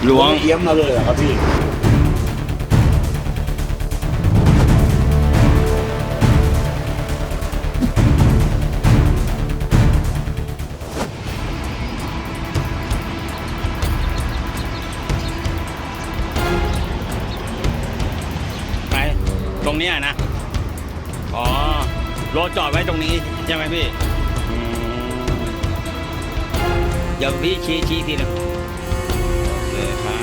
ล้วงเอี้ยมมาเลยเหรอครับพี่ไปตรงเนี้ยนะอ๋อรถจอดไว้ตรงนี้ใช่ไหมพี่เดี๋ยวพี่ชี้ทีหนึงโอเคครับ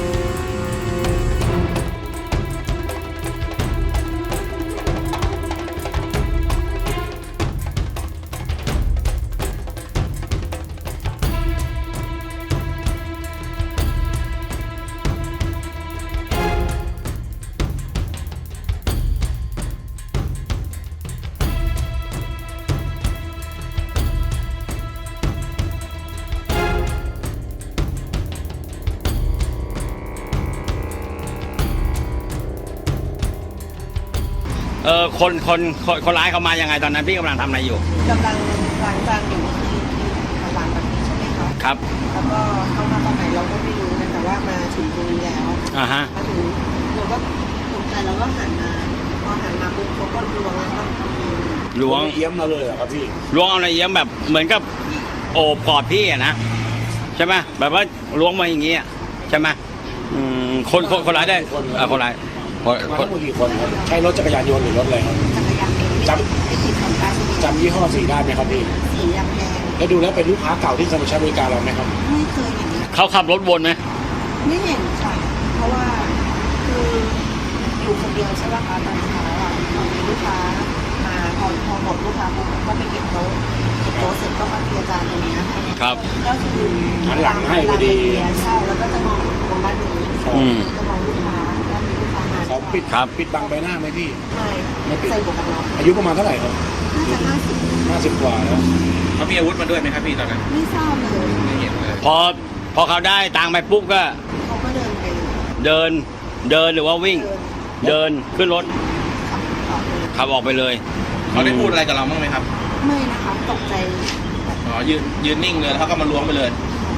คนร้ายเขามายังไงตอนนั้นพี่กำลังทำอะไรอยู่กำลังล้างจานอยู่ที่ร้านแบบนี้ใช่ไหมคะครับแล้วก็เข้ามาตอนไหนเราก็ไม่รู้นะแต่ว่ามาถึงตรงนี้แล้วฮะมาถึงเราก็ตกใจเราก็หันมาพอหันมาปุ๊บเขาก็ล้วงแล้วก็ล้วงเอี้ยมมาเลยเหรอครับพี่ล้วงเอาอะไรเยี่ยมแบบเหมือนกับโอบกอดพี่อะนะใช่ไหมแบบว่าล้วงมาอย่างงี้อะใช่ไหมคนร้ายได้คนร้ายมาทั้งหมดกี่คนครับใช้รถจักรยานยนต์หรือรถอะไรครับจักรยานไม่ติดของการจำยี่ห้อสีได้ไหมครับพี่สีแดงแล้วดูแล้วเป็นลูกค้าเก่าที่เคยมาใช้บริการเราไหมครับไม่เคยเห็นเขาขับรถวนไหมไม่เห็นค่ะเพราะว่าคืออยู่คนเดียวใช่ป่ะคะตอนเช้าอ่ะมีลูกค้ามาพอหมดลูกค้าปุ๊บก็ไปเก็บโต๊ะเสร็จก็มาเคลียร์จานตรงนี้ค่ะครับก็คือหันหลังให้พอดีใช่แล้วก็จะมองตรงด้านนี้อืมจะมองลูกค้าแล้วมีลูกค้ามาขอปิดครับปิดบังใบหน้าไหมพี่ไม่ใส่หมวกกันน็อกอายุประมาณเท่าไหร่ครับน่าจะ50 50 กว่าแล้วเขามีอาวุธมาด้วยไหมครับพี่ตอนนั้นไม่ทราบเลยไม่เห็นเลยพอเขาได้ตังค์ไปปุ๊บก็เขาก็เดินไปเดินหรือว่าวิ่ง เดินขึ้นรถขับต่อเลยขับออกไปเลยเขาได้พูดอะไรกับเราบ้างไหมครับไม่นะคะตกใจอ๋อยืนนิ่งเลยแล้วเขาก็มาล้วงไปเลย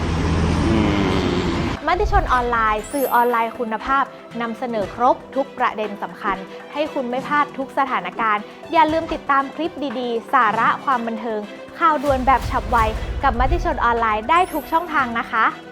มติชนออนไลน์สื่อออนไลน์คุณภาพนำเสนอครบทุกประเด็นสำคัญ ให้คุณไม่พลาดทุกสถานการณ์ อย่าลืมติดตามคลิปดีๆ สาระความบันเทิง ข่าวด่วนแบบฉับไว กับมติชนออนไลน์ได้ทุกช่องทางนะคะ